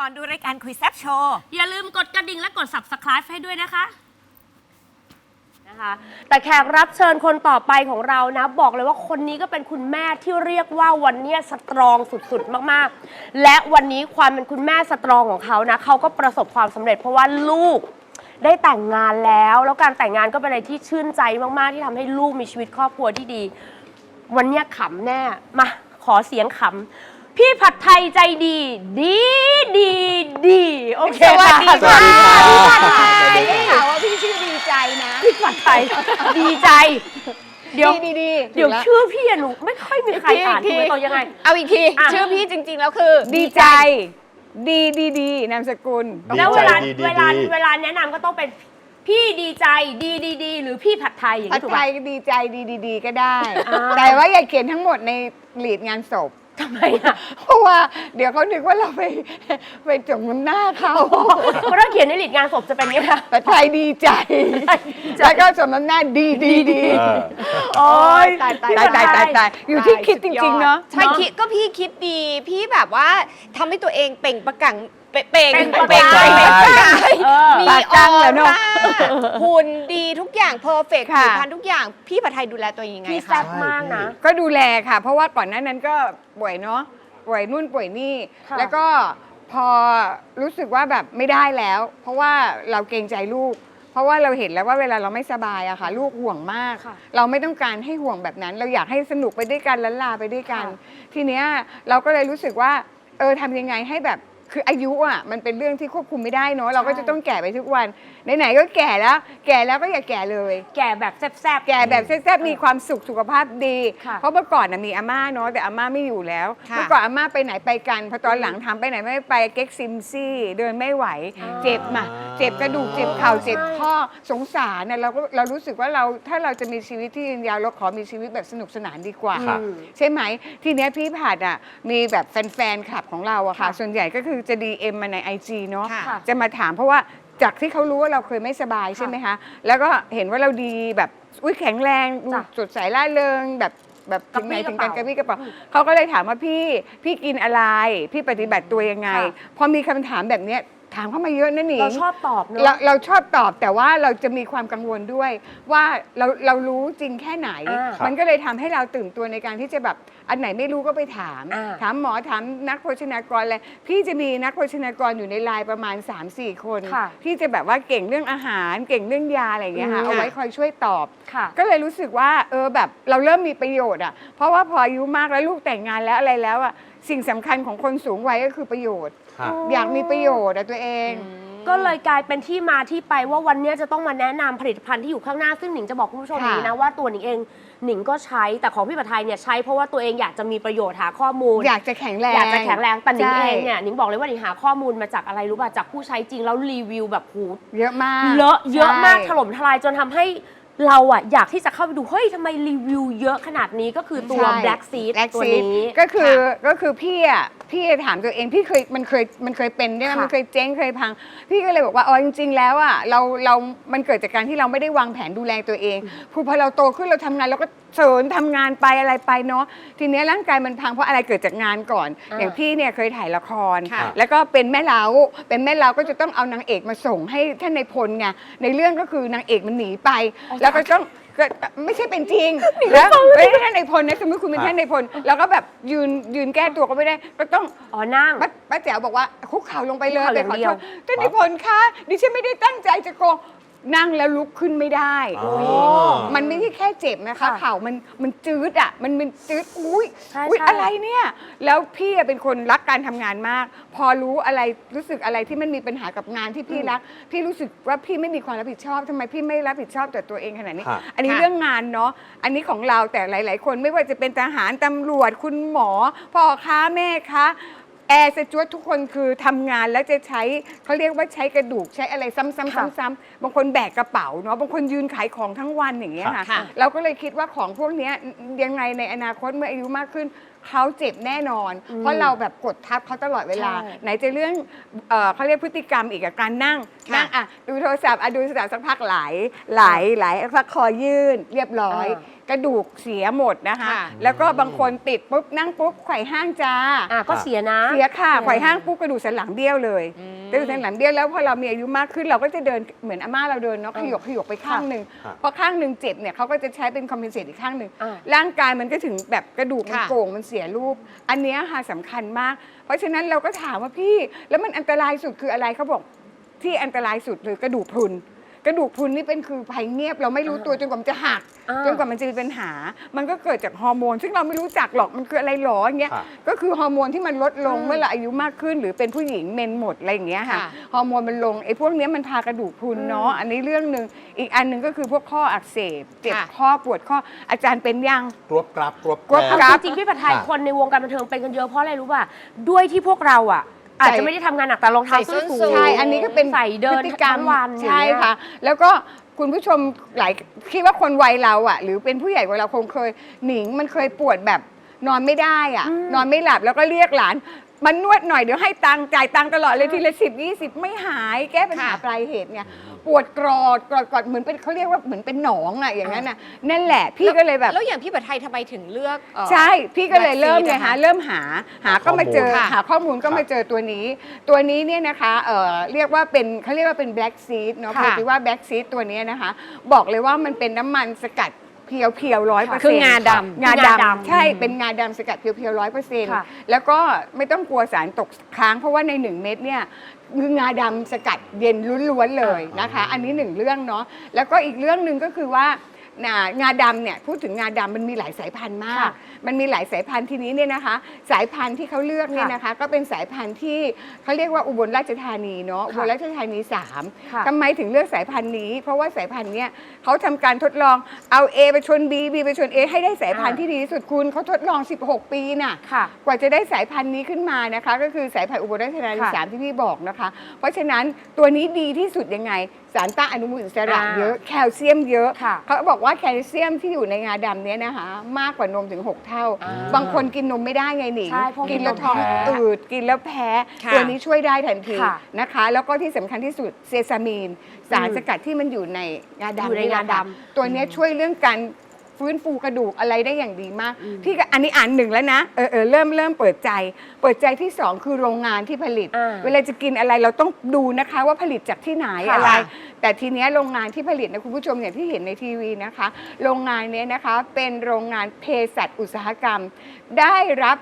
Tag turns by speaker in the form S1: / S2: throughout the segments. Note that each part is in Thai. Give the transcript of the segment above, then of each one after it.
S1: ก่อนดูรายการคุยแซ่บโชว์
S2: อย่าลืมกดกระดิ่งและกด Subscribe ให้ด้วยนะคะ
S3: แต่แขกรับเชิญคนต่อไปของเรานะบอกเลยว่าคนนี้ก็เป็นคุณแม่ที่เรียกว่าวันนี้สตรองสุดๆมากๆและวันนี้ความเป็นคุณแม่สตรองของเขานะเขาก็ประสบความสำเร็จเพราะว่าลูกได้แต่งงานแล้วการแต่งงานก็เป็นอะไรที่ชื่นใจมากๆที่ทำให้ลูกมีชีวิตครอบครัวที่ดีวันนี้ขำแน่มาขอเสียงขำพี่ผัดไทยใจดีดีโอเคสวัสดีค่ะพี่ผัดไทย
S4: ได้ข่าวว่าพี่ชื่อดีใจนะ
S3: พี่ผัดไทยดีใจเดี๋ยว
S4: ดี
S3: เดี๋ยวชื่อพี่อะหนูไม่ค่อยมีใครอ่านถูกไหมตอนยังไง
S4: เอาอีกทีชื่อพี่จริงๆแล้วคือดีใจดีนามสกุล
S3: แล้วเวลาแนะนำก็ต้องเป็นพี่ดีใจดีหรือพี่ผัดไทยอย่าง
S4: ผั
S3: นี้
S4: ด
S3: ถูก
S4: ไท
S3: ไหม
S4: ยดีใจดีก็ได้ แต่ว่าอย่าเขียนทั้งหมดในลีดงานศพ
S3: ทำไมอ่ะ
S4: เพราะว่าเดี๋ยวเขานึกว่าเราไปจงน้ำหน้าเขา
S3: เพราะถ้าเขียนในลีดงานศพจะเป็นยังไงคะ
S4: ผัดไทยดีใจแล้วก็สมน้ำหน้าดี
S3: โอ้ย
S4: ตายอยู่ที่คิดจริงๆเนาะ
S1: ใช่คิดก็พี่คิดดีพี่แบบว่าทำให้ตัวเองเปล่งประกังเป่งมีออร่าหุ่นดีทุกอย่างเพอร์เฟกต์ผิวพรรณทุกอย่างพี่ผัดไทยดูแลตัวเองยังไงคะ
S3: พี่แซ่บมากนะ
S4: ก็ดูแลค่ะเพราะว่าก่อนหน้านั้นก็ป่วยเนาะป่วยนู่นป่วยนี่แล้วก็พอรู้สึกว่าแบบไม่ได้แล้วเพราะว่าเราเกรงใจลูกเพราะว่าเราเห็นแล้วว่าเวลาเราไม่สบายอะค่ะลูกห่วงมากเราไม่ต้องการให้ห่วงแบบนั้นเราอยากให้สนุกไปด้วยกันล้านลาไปด้วยกันทีเนี้ยเราก็เลยรู้สึกว่าทำยังไงให้แบบคืออายุอ่ะมันเป็นเรื่องที่ควบคุมไม่ได้เนาะเราก็จะต้องแก่ไปทุกวันไหนๆก็แก่แล้วก็อย่าแก่เลย
S3: แก่แบบแซ่บ
S4: แก่แบบแซ่บมีความสุขสุขภาพดีเพราะเมื่อก่อนมีอาม่าเนาะแต่อาม่าไม่อยู่แล้วเมื่อก่อนอาม่าไปไหนไปกันพอตอนหลังทำไปไหนไม่ไปเก๊กซิมซี่เดินไม่ไหวเจ็บมาเจ็บกระดูกเจ็บเข่าเจ็บข้อสงสารเนี่ยเรารู้สึกว่าถ้าเราจะมีชีวิตที่ยืนยาวเราขอมีชีวิตแบบสนุกสนานดีกว่าใช่ไหมทีเนี้ยพี่ผัดอ่ะมีแบบแฟนคลับของเราอะค่ะส่วนใหญ่ก็คือจะ DM มาใน IG เนาะจะมาถามเพราะว่าจากที่เขารู้ว่าเราเคยไม่สบายใช่ไหมคะแล้วก็เห็นว่าเราดีแบบแข็งแรงสดใสร่าเริงแบบถึงไหนถึงกันกระปี้กระเป๋าเขาก็เลยถามว่าพี่กินอะไรพี่ปฏิบัติตัวยังไงพอมีคำถามแบบเนี้ยถามเข้ามาเยอะนะหนิ
S3: เราชอบตอบเนอะ
S4: เราชอบตอบแต่ว่าเราจะมีความกังวลด้วยว่าเรารู้จริงแค่ไหนมันก็เลยทำให้เราตื่นตัวในการที่จะแบบอันไหนไม่รู้ก็ไปถามหมอถามนักโภชนากรอะไรพี่จะมีนักโภชนากรอยู่ในไลน์ประมาณ 3-4 คนที่จะแบบว่าเก่งเรื่องอาหารเก่งเรื่องยาอะไรอย่างเงี้ยค่ะเอาไว้คอยช่วยตอบก็เลยรู้สึกว่าแบบเราเริ่มมีประโยชน์อ่ะเพราะว่าพออายุมากแล้วลูกแต่งงานแล้วอะไรแล้วอ่ะสิ่งสำคัญของคนสูงวัยก็คือประโยชน์อยากมีประโยชน์ตัวเอง
S3: ก็เลยกลายเป็นที่มาที่ไปว่าวันนี้จะต้องมาแนะนำผลิตภัณฑ์ที่อยู่ข้างหน้าซึ่งหนิงจะบอกคุณผู้ชมอย่างนี้นะว่าตัวหนิงเองหนิงก็ใช้แต่ของพี่ผัดไทยเนี่ยใช้เพราะว่าตัวเองอยากจะมีประโยชน์หาข้อมูล
S4: อยากจะแข็งแรง
S3: แต่หนิงเองเนี่ยหนิงบอกเลยว่าหนิงหาข้อมูลมาจากอะไรรู้ป่ะจากผู้ใช้จริงแล้วรีวิวแบบ
S4: เยอะมาก
S3: เยอะมากถล่มทลายจนทำให้เราอะอยากที่จะเข้าไปดูเฮ้ยทำไมรีวิวเยอะขนาดนี้ก็คือตัว Black Seed ตัวนี้
S4: ก็คือพี่ถามตัวเองพี่มันเคยเป็นด้วยมันเคยเจ๊งเคยพังพี่ก็เลยบอกว่าจริงๆแล้วอะเรามันเกิดจากการที่เราไม่ได้วางแผนดูแลตัวเองพอเราโตขึ้นเราทำงานเราก็เสริญทำงานไปอะไรไปเนาะทีนี้ร่างกายมันพังเพราะอะไรเกิดจากงานก่อนอย่างพี่เนี่ยเคยถ่ายละครแล้วก็เป็นแม่เล้าก็จะต้องเอานางเอกมาส่งให้ท่านนายพลไงในเรื่องก็คือนางเอกมันหนีไปแล้วก็ต้องไม่ใช่เป็นจริงแล้วไม่ได้ท่านนายพลนะสมมติคุณเป็นท่านนายพลแล้วก็แบบยืนแก้ตัวก็ไม่ได้ก็ต้อง
S3: นั่ง
S4: ป้าแจ๋วบอกว่าคุกเข่าลงไปเลยไปขอโทษท่านนายพลคะดิฉันไม่ได้ตั้งใจจะโกงนั่งแล้วลุกขึ้นไม่ได้มันไม่ใช่แค่เจ็บนะคะเข่ามันจืดอ่ะมันจืดอุ้ยอะไรเนี่ยแล้วพี่เป็นคนรักการทำงานมากพอรู้สึกอะไรที่มันมีปัญหากับงานที่พี่รักพี่รู้สึกว่าพี่ไม่มีความรับผิดชอบทำไมพี่ไม่รับผิดชอบต่อตัวเองขนาดนี้อันนี้เรื่องงานเนาะอันนี้ของเราแต่หลายๆคนไม่ว่าจะเป็นทหารตำรวจคุณหมอพ่อค้าแม่ค้าแอร์สจ๊วตทุกคนคือทำงานแล้วจะใช้เขาเรียกว่าใช้กระดูกใช้อะไรซ้ำๆบางคนแบกกระเป๋าเนาะบางคนยืนขายของทั้งวันอย่างเงี้ยค่ะเราก็เลยคิดว่าของพวกนี้ยังไงในอนาคตเมื่ออายุมากขึ้นเขาเจ็บแน่นอนเพราะเราแบบกดทับเขาตลอดเวลาไหนจะเรื่องเขาเรียกพฤติกรรมอีกการนั่งดูโทรศัพท์ดูโทรศัพท์สักพักไหลสักคอยื่นเรียบร้อยกระดูกเสียหมดนะคะ
S1: ค่ะ
S4: แล้วก็บางคนติดปุ๊บนั่งปุ๊บไขว่ห้างจ้า
S3: ก็เสียนะ
S4: เสียค่ะไขว่ห้างปุ๊บกระดูกสันหลังเบี้ยวเลยกระดูกสันหลังเบี้ยวแล้วพอเรามีอายุมากขึ้นเราก็จะเดินเหมือนอาม่าเราเดินเนาะขยกไปข้างหนึ่ง
S5: ค่ะ
S4: พอข้างหนึ่งเจ็บเนี่ยเขาก็จะใช้เป็นคอมเพนเซตอีกข้างหนึ่ง
S3: อ่า
S4: ร่างกายมันก็ถึงแบบกระดูกมัน
S1: ค่ะ
S4: โก่งมันเสียรูป อันเนี้ยค่ะสำคัญมาก เพราะฉะนั้นเราก็ถามว่าพี่แล้วมันอันตรายสุดคืออะไรเขาบอกที่อันตรายสุดคือกระดูกพรุนกระดูกพรุนนี่เป็นคือภัยเงียบเราไม่รู้ตัวจนกว่ามันจะหัก จนกว่ามันจะมีปัญหา มันก็เกิดจากฮอร์โมน ซึ่งเราไม่รู้จักหรอก มันคืออะไรหรออย่างเงี้ย
S5: ค่ะ
S4: ก็คือฮอร์โมนที่มันลดลงเมื่อเราอายุมากขึ้น หรือเป็นผู้หญิงเมนหมดอะไรอย่างเงี้ยค่ะ
S1: ค่ะ
S4: ฮอร์โมนมันลง ไอ้พวกเนี้ยมันพากระดูกพรุนเนาะ อันนี้เรื่องหนึ่งอีกอันหนึ่งก็คือพวกข้ออักเสบ เจ็บ
S1: ค่ะ
S4: ข้อปวดข้อ อาจารย์เป็นยัง
S5: กรวบกรับกรวบ
S4: กรวบ
S5: แกร
S4: กรับ
S3: จริงๆพี่ผัดไทย
S5: ค่ะ
S3: คนในวงการบันเทิงเป็นกันเยอะเพราะอะไรรู้ป่ะด้วยที่พวกเราอาจจะไม่ได้ทำงานหนักแต่รองเท้าส้นสูง
S4: ใช่ อันนี้ก็เป็น
S3: ใส่เดิน
S4: พฤติกรรม
S3: ทั้งวัน
S4: ใช่ค่ะ แล้วก็คุณผู้ชมหลายคิดว่าคนวัยเราหรือเป็นผู้ใหญ่กว่าเราคงเคยหนิงมันเคยปวดแบบนอนไม่ได้นอนไม่หลับแล้วก็เรียกหลานมันนวดหน่อยเดี๋ยวให้ตังค์จ่ายตังค์ตลอดเลยทีละ10-20ไม่หายแก้ปัญหา
S1: ค่ะ
S4: ปลายเหตุเนี่ยปวดกรอดเหมือนเป็นเขาเรียกว่าเหมือนเป็นหนองอย่างนั้นนั่นแหละพี่ก็เลยแบบ
S1: แล้วอย่างพี่ผัดไทยทำไมถึงเลือก
S4: ใช่ พี่ก็เลยเริ่มไง
S1: Black Seed
S4: ฮะ
S1: นะคะ
S4: เริ่มหาก็มาเจอ
S1: ค่ะ
S4: หาข้อมูลก็มาเจอตัวนี้ ตัวนี้เนี่ยนะคะเรียกว่าเป็นเขาเรียกว่าเป็น black seed เนาะ
S1: ค่ะ
S4: เพราะว่า black seed ตัวนี้นะคะ บอกเลยว่ามันเป็นน้ำมันสกัดเพียว100%
S1: คืองาดำ
S4: งา
S3: คืองา
S4: ดำ
S3: ดำ
S4: ใช่เป็นงาดำสกัดเพียวๆ
S3: ค่ะ
S4: 100%แล้วก็ไม่ต้องกลัวสารตกค้างเพราะว่าใน1เม็ดเนี่ยคืองาดำสกัดเย็นล้วนๆเลยนะคะ อันนี้1เรื่องเนาะแล้วก็อีกเรื่องหนึ่งก็คือว่างาดำเนี่ยพูดถึงงาดำมันมีหลายสายพันธุ์มาก
S3: ค่ะ
S4: มันมีหลายสายพันธุ์ทีนี้เนี่ยนะคะ สายพันธุ์ที่เขาเลือกเนี่ยนะคะ ก็เป็นสายพันธุ์ที่เขาเรียกว่าอุบลราชธานีเนาะอุบลราชธานี
S3: ค่ะ
S4: 3ทำไมถึงเลือกสายพันธุ์นี้ เพราะว่าสายพันธุ์เนี้ยเขาทำการทดลองเอา A ไปชน B B ไปชน A ให้ได้สายพันธุ์ที่ดีที่สุดคุณเขาทดลอง16 ปีน่ะ
S3: ค่ะ
S4: กว่าจะได้สายพันธุ์นี้ขึ้นมานะคะ ก็คือสายพันธุ์อุบลราชธานี
S3: ค่ะ
S4: 3ที่พี่บอกนะคะ เพราะฉะนั้นตัวนี้ดีที่สุดยังไง สารต้านอนุมูลอิสระเยอะแคลเซียมเยอะ
S3: ค่ะ
S4: เขาบอกว่าแคลเซียมที่อยู่ในงาดำเนี้ยนะคะมากกว่านมถึง 6 เท่า บางคนกินนมไม่ได้ไงหนิง
S3: ใช่เพราะ
S4: กินแล้วท้อง
S3: แพ้
S4: อืดกินแล้วแพ้
S1: ค่ะ
S4: ตัวนี้ช่วยได้ทันที
S3: ค่ะ
S4: นะคะ แล้วก็ที่สำคัญที่สุดเซซามีน สารสกัดที่มันอยู่ในงา
S3: อยู่
S4: ดำ
S3: ใน
S4: นี่แหละ
S3: งา
S4: ค่ะ
S3: ดำ
S4: ตัวเนี้ยช่วยเรื่องการฟื้นฟูกระดูกอะไรได้อย่างดีมาก พี่ก็อันนี้อ่าน1แล้วนะเริ่มเปิดใจที่ 2 คือโรงงานที่ผลิต เวลาจะกินอะไรเราต้องดูนะคะว่าผลิตจากที่ไหน
S3: ค่ะ
S4: อะไร แต่ทีเนี้ยโรงงานที่ผลิตนะคุณผู้ชมอย่างที่เห็นในทีวีนะคะ โรงงานเนี้ยนะคะเป็นโรงงานเภสัชอุตสาหกรรม ได้รับ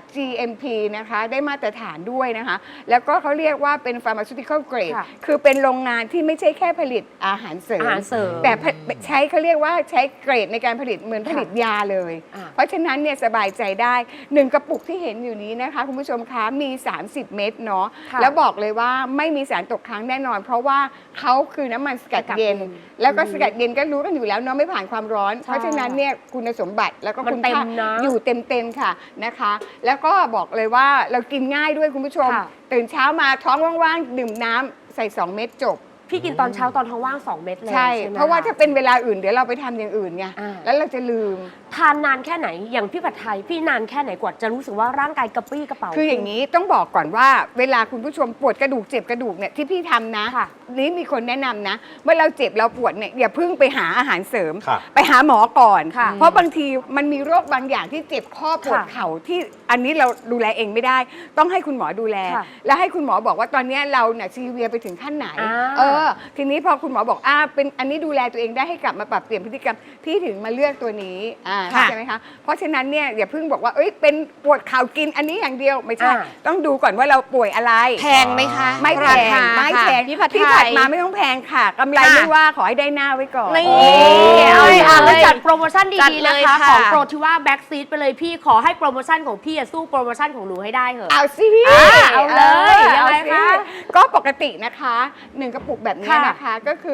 S4: GMP นะคะได้มาตรฐานด้วยนะคะ แล้วก็เขาเรียกว่าเป็น pharmaceutical grade
S3: ค่ะ
S4: คือเป็นโรงงานที่ไม่ใช่แค่ผลิตอาหารเสริม
S3: อาหารเสริม
S4: แต่ใช้เขาเรียกว่าใช้เกรดในการผลิตเหมือนผลิตยาเลย
S3: อ่า
S4: เพราะฉะนั้นเนี่ยสบายใจได้1กระปุกที่เห็นอยู่นี้นะคะคุณผู้ชมคะมี 30 เม็ดเนาะ
S3: ค่ะ
S4: แล้วบอกเลยว่าไม่มีสารตกค้างแน่นอน เพราะว่าเขาคือน้ำมันสกัดเย็น
S3: สกัดเย็น
S4: แล้วก็สกัดเย็นก็รู้กันอยู่แล้วเนาะไม่ผ่านความร้อน เพราะฉะนั้นเนี่ยคุณสมบัติแล้วก็
S3: มัน
S4: คุณ
S3: เต็ม
S4: ค่า
S3: นะ
S4: อยู่เต็มๆค่ะนะคะ แล้วก็บอกเลยว่าเรากินง่ายด้วยคุณผู้ชม
S3: ค่ะ
S4: ตื่นเช้ามาท้องว่างๆดื่มน้ำใส่2 เม็ดจบ
S3: พี่กินตอนเช้าตอนท้องว่าง2 เม็ดเลย
S4: ใช่
S3: ไหม
S4: เพราะว่า
S3: ค
S4: ถ้าเป็นเวลาอื่นเดี๋ยวเราไปทำอย่างอื่นไง
S3: อ่า
S4: แล้วเราจะลืม
S3: ทานนานแค่ไหนอย่างพี่ผัดไทยพี่นานแค่ไหนกว่าจะรู้สึกว่าร่างกายกระปรี้กระเป๋า
S4: คืออย่างนี้ต้องบอกก่อนว่าเวลาคุณผู้ชมปวดกระดูกเจ็บกระดูกเนี่ยที่พี่ทำนะ
S3: ค่ะ
S4: นี่มีคนแนะนำนะ เมื่อเราเจ็บเราปวดเนี่ยอย่าเพิ่งไปหาอาหารเสริม
S5: ค่ะ
S4: ไปหาหมอก่อน
S3: ค่ะ
S4: เพราะบางทีมันมีโรคบางอย่างที่เจ็บข้อปวด
S3: ค่ะ
S4: เข่าที่อันนี้เราดูแลเองไม่ได้ ต้องให้คุณหมอดูแล
S3: ค่ะ
S4: แล้วให้คุณหมอบอกว่าตอนเนี้ยเราเนี่ยซีเวียไปถึงขั้นไหน ทีนี้พอคุณหมอบอกเป็นอันนี้ดูแลตัวเองได้ให้กลับมาปรับเปลี่ยนพฤติกรรมพี่ถึงมาเลือกตัวนี้เข้าใจไหมคะเพราะฉะนั้นเนี่ยอย่าเพิ่งบอกว่าเป็นปวดเข่ากินอันนี้อย่างเดียวไม่ใช่ ต้องดูก่อนว่าเราป่วยอะไร
S1: แพงไหมคะ
S4: ไม่แพ
S1: ราง คา
S4: ไม่แพง
S1: ค่ะพี่ผัดไทย
S4: ที่ผัดมาไม่ต้องแพงค่ะกำไร
S1: ค่ะ
S4: ไม่ว่าขอให้ได้หน้าไว้ก่อน
S1: นี่
S3: เอา
S1: เลย
S3: แล้วจัดโปรโมชั่น
S1: จัด
S3: ดีๆ
S1: เล
S3: นะ
S1: ย
S3: คะ
S1: ค่ะ
S3: ของโปรที่ว่าแบ็กซีดไปเลยพี่ขอให้โปรโมชั่นของพี่สู้โปรโมชั่นของหนูให้ได้เถอะ
S4: เอาสิ
S3: เอาเลยยังไง
S4: เอาสิ
S3: คะ
S4: ก็ปกตินะคะ1กระปุกแบบนี้
S3: ค่ะ
S4: นะคะก็คือ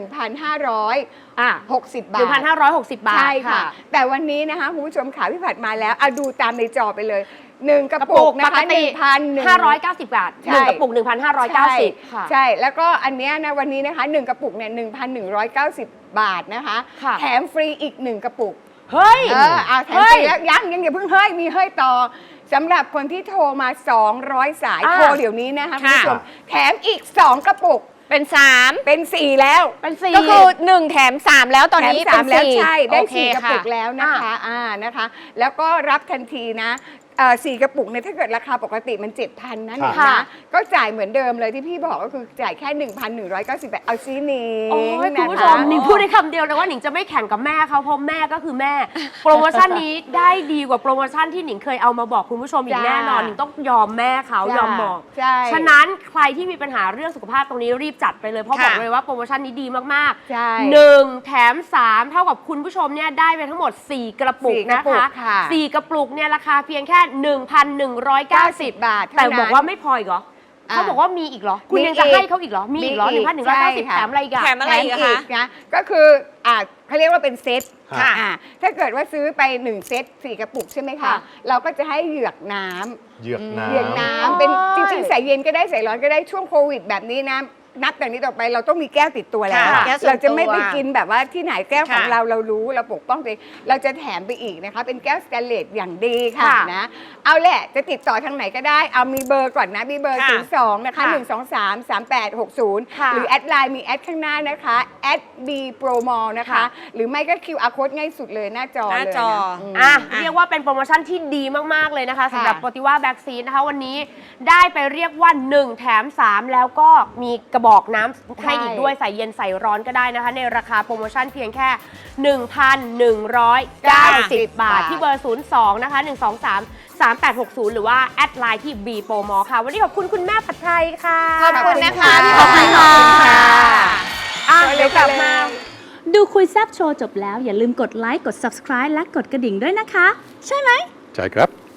S4: 1,560 บาท
S3: 1,560 บาท
S4: ใช่ค่ะ แต่วันนี้นะคะคุณผู้ชมขาพี่ผัดมาแล้วเอาดูตามในจอไปเลย1กระปุกนะ
S3: ป
S4: คะ
S3: กติ 590 บาท
S4: ใช่
S3: 1กระปุก 1,590 ค่ะ
S4: ใช่แล้วก็อันเนี้ยนะวันนี้นะคะ1กระปุกเนี่ย1,190 บาทนะคะ
S3: ค่ะ
S4: แถมฟรีอีก1กระปุก
S3: เฮ้ย
S4: เอาแถมฟรีแล้วยังอย่าเพิ่งเฮ้ยมีเฮ้ยต่อสำหรับคนที่โทรมา200 สาย
S3: อ่า
S4: โทรเดี๋ยวนี้นะคะคุณผู้ชม
S5: ค่ะ
S4: แถมอีก2กระปุก
S1: เป็น 3
S4: เป็น 4 แล้ว
S3: เป็น4
S1: ก็คือ 1 แถม 3 แล้วตอนนี้
S4: แถม
S1: เป็น
S4: 3แล้ว
S1: 4
S4: ใช่ได้
S1: โอเค
S4: 4 กระปุก
S1: ค่
S4: แล้วนะคะนะคะ แล้วก็รับทันทีนะ4 กระปุกเนี่ยถ้าเกิดราคาปกติมัน 7,000 นะหนิง
S3: ค่ะ
S4: นะก็จ่ายเหมือนเดิมเลยที่พี่บอกก็คือจ่ายแค่ 1,198เอาซีนี้
S3: โอ้ยคุณผู้ชมหนิงพูดได้คำเดียวเลยว่าหนิงจะไม่แข่งกับแม่เขาเพราะแม่ก็คือแม่ โปรโมชั่นนี้ได้ดีกว่าโปรโมชั่นที่หนิงเคยเอามาบอกคุณผู้ชมอีกแน่นอนหนิงต้องยอมแม่เขายอมบอก
S4: ใช่
S3: ฉะนั้นใครที่มีปัญหาเรื่องสุขภาพตรงนี้รีบจัดไปเลยเพราะบอกเลยว่าโปรโมชั่นนี้ดีมาก
S4: ใช่
S3: ๆ1แถม3เท่ากับคุณผู้ชมเนี่ยได้ไปทั้งหมด4 กระปุก
S4: 4 กระ
S3: นะ
S4: ปุก
S3: คะ
S4: ค่ะ
S3: 4 กระปุกเนี่ยราคาเพียงแค่ 1,190
S4: บาท
S3: แต่
S4: เท่นั้น
S3: บอกว่าไม่พออีกเหรอเขาบอกว่ามีอีกเหรอคุณยังจะให้เขาอีกเหรอมีอีกเหรอ 1,190 แถมอะไรอีกอะ
S1: แถมอะไรอีกอะคะ
S4: นะก็คือเขาเรียกว่าเป็นเซต
S5: ค่ะ
S4: ถ้าเกิดว่าซื้อไป1เซต4 กระปุกใช่ไหมคะ
S3: ค่ะ
S4: เราก็จะให้เหยือกน้ำ
S5: เหยือกน้ำ
S4: เหยือกน้ำเป็นจริงๆใส่เย็นก็ได้ใส่ร้อนก็ได้ช่วงโควิดแบบนี้นะนับจากนี้ต่อไปเราต้องมีแก้วติดตัวแล้ว
S1: ค่ะแก้วส่วนตัว
S4: เราจะไม่ไปกินแบบว่าที่ไหนแก้วของ
S1: ค่ะ
S4: เรารู้เราปกป้องตัวเองเราจะแถมไปอีกนะคะเป็นแก้วสแตนเลสอย่างดีค่ะ
S3: ค่ะ
S4: นะเอาแหละจะติดต่อทางไหนก็ได้เอามีเบอร์ก่อนนะมีเบอร์
S1: ค่ะ
S4: 02นะคะ
S3: ค่ะ
S4: 1233860
S3: ค่ะ
S4: หรือแอดไลน์มีแอดข้างหน้านะคะแอด B Pro Mall นะคะ
S3: ค่ะ
S4: หรือไม่ก็ QR code ง่ายสุดเลยหน้าจอ
S1: หน้า
S4: เลย
S1: จอ
S4: นะ
S3: เรียกว่าเป็นโปรโมชั่นที่ดีมาก ๆ เลยนะคะสำหรับโปรติว่าแบ็กซีนนะคะวันนี้ได้ไปเรียกว่า 1 แถม 3 แล้วก็มีกระบอกน้ำให้อีกด้วยใส่เย็นใส่ร้อนก็ได้นะคะ ในราคาโปรโมชั่นเพียงแค่ 1,190 บาท ที่เบอร์ 02 นะคะ 1233860 หรือว่าแอดไลน์ที่ B Pro Mall ค่ะ วันนี้ขอบคุณคุณแม่ผัดไทยค่ะ
S1: ขอบคุณนะคะ
S4: ขอบคุณค่ะ
S3: อ่ะเดี๋ยวกลับมา
S6: ดูคุยแซบโชว์จบแล้วอย่าลืมกดไลค์ กด subscribe และกดกระดิ่งด้วยนะคะ ใช่ไหม
S5: ใช่ครับ